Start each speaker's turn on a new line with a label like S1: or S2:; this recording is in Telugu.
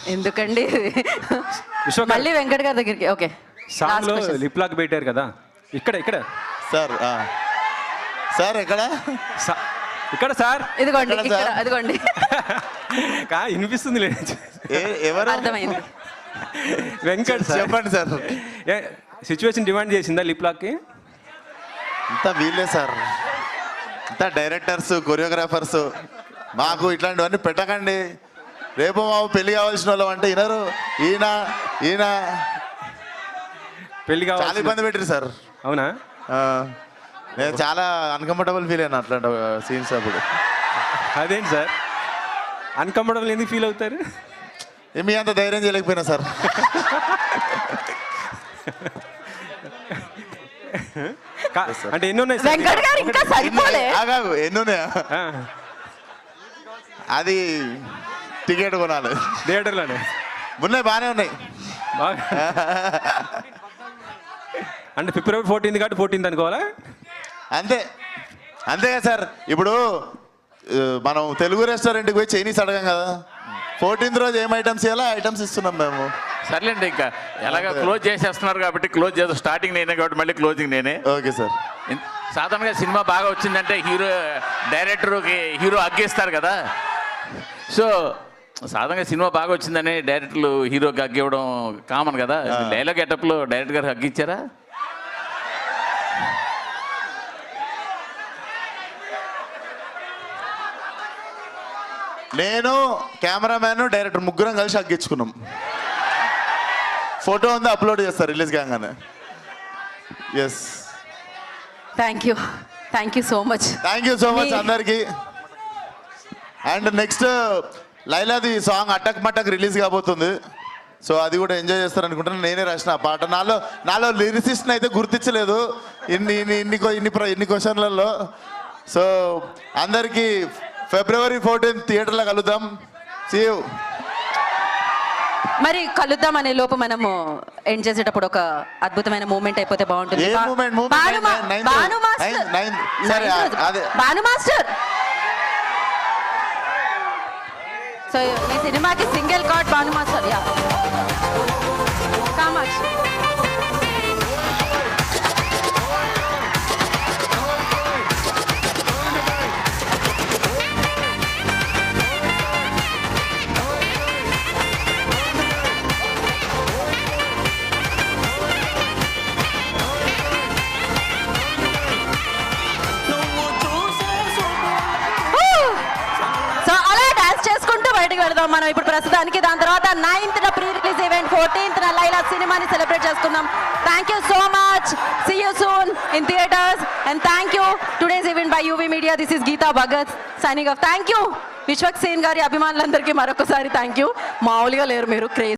S1: ఎందుకండి
S2: విశ్వకర్
S1: మళ్ళీ వెంకట్ గారి దగ్గరికి. ఓకే,
S2: సాంగ్లో లిప్ లాక్ పెట్టారు కదా, ఇక్కడ
S3: సార్ సార్ ఎక్కడ
S2: ఇక్కడ సార్
S1: ఇదిగోండి,
S3: ఎక్కడ
S1: ఇక్కడ
S3: సార్?
S1: అదిగోండి.
S2: వినిపిస్తుంది లేదు
S3: ఎవరు
S1: అర్థమైంది.
S2: వెంకట్ సార్
S3: చెప్పండి సార్.
S2: సిచ్యువేషన్ డిమాండ్ చేసిందా లిప్ లాక్కి?
S3: ఇంత వీళ్ళే సార్, ఇంత డైరెక్టర్స్ కొరియోగ్రాఫర్స్ మాకు ఇట్లాంటివన్నీ పెట్టకండి. రేపు మాకు పెళ్లి కావాల్సిన వాళ్ళం అంటే వినరు. ఈయన
S2: పెళ్లి
S3: చాలా
S2: కావాలి.
S3: ఇబ్బంది పెట్టారు సార్.
S2: అవునా?
S3: నేను చాలా అన్కంఫర్టబుల్ ఫీల్ అయినా అట్లాంటి సీన్స్ అప్పుడు.
S2: అదేంటి సార్ అన్కంఫర్టబుల్ ఎందుకు ఫీల్ అవుతారు?
S3: మీ అంత ధైర్యం చేయలేకపోయినా సార్.
S2: అంటే ఎన్ని ఉన్నాయి సార్?
S1: వెంకట్ గారు ఇంకా సరిపోలే.
S3: ఆగాగు, ఎన్ని ఉన్నాయా? అది టికెట్ కొనాలి
S2: థియేటర్లోనే
S3: ఉన్నాయి, బాగానే ఉన్నాయి.
S2: బాగా అంటే ఫిబ్రవరి 14 కాబట్టి 14 అనుకోవాలా?
S3: అంతేగా సార్. ఇప్పుడు మనం తెలుగు రెస్టారెంట్కి పోయి చైనీస్ అడగం కదా. 14th రోజు ఏం ఐటమ్స్ ఇవ్వాలో ఐటమ్స్ ఇస్తున్నాం మేము.
S4: సర్లేండి, ఇంకా ఎలాగ క్లోజ్ చేసేస్తున్నారు కాబట్టి క్లోజ్ చేస్తాం. స్టార్టింగ్ నేనే కాబట్టి మళ్ళీ క్లోజింగ్ నేనే.
S3: Okay sir.
S4: సాధారణంగా సినిమా బాగా వచ్చిందంటే డైరెక్టర్కి హీరో అగ్గేస్తారు కదా. సో సాధారణంగా సినిమా బాగా వచ్చిందని డైరెక్టర్లు హీరోకి అగ్గివ్వడం కామన్ కదా. డైలాగ్ గెటప్లో డైరెక్టర్ గారు అగ్గిచ్చారా?
S3: నేను కెమెరామ్యాన్ డైరెక్టర్ ముగ్గురం కలిసి అగ్గించుకున్నాం. ఫోటో ఉంది, అప్లోడ్ చేస్తారు రిలీజ్ కాగానే. Yes,
S1: thank you so much.
S3: Thank you so much అందరికి. అండ్ నెక్స్ట్ లైలాది సాంగ్ అటక్ మటక్ రిలీజ్ కాబోతుంది. సో అది కూడా ఎంజాయ్ చేస్తారు అనుకుంటున్నాను. నేనే రాసిన ఆ పాట. నాలో లిరిసిస్ట్ని అయితే గుర్తించలేదు ఇన్ని క్వశ్చన్లలో. సో అందరికీ February 14 థియేటర్లో కలుద్దాం. See you.
S1: మరి కలుద్దాం అనే లోపు మనము ఎండ్ చేసేటప్పుడు ఒక అద్భుతమైన మూమెంట్ అయిపోతే బాగుంటుంది.
S3: ఏ మూమెంట్?
S1: భాను మాస్టర్. సో ఈ సినిమాకి single card Bhanu master. Yeah Kamakshi. వెళ్దాం మనం ఇప్పుడు ప్రస్తుతానికి. దాని తర్వాత 9th pre release event, 14th Laila సినిమాని సెలబ్రేట్ చేసుకుందాం. Thank you so much. See you soon in theatres and thank you today's event by UV media. This is Geetha Bhagat signing off. Thank you Vishwak Sen గారి అభిమానులందరికీ మరొకసారి థ్యాంక్ యూ. మామూలుగా లేరు మీరు, క్రేజ్.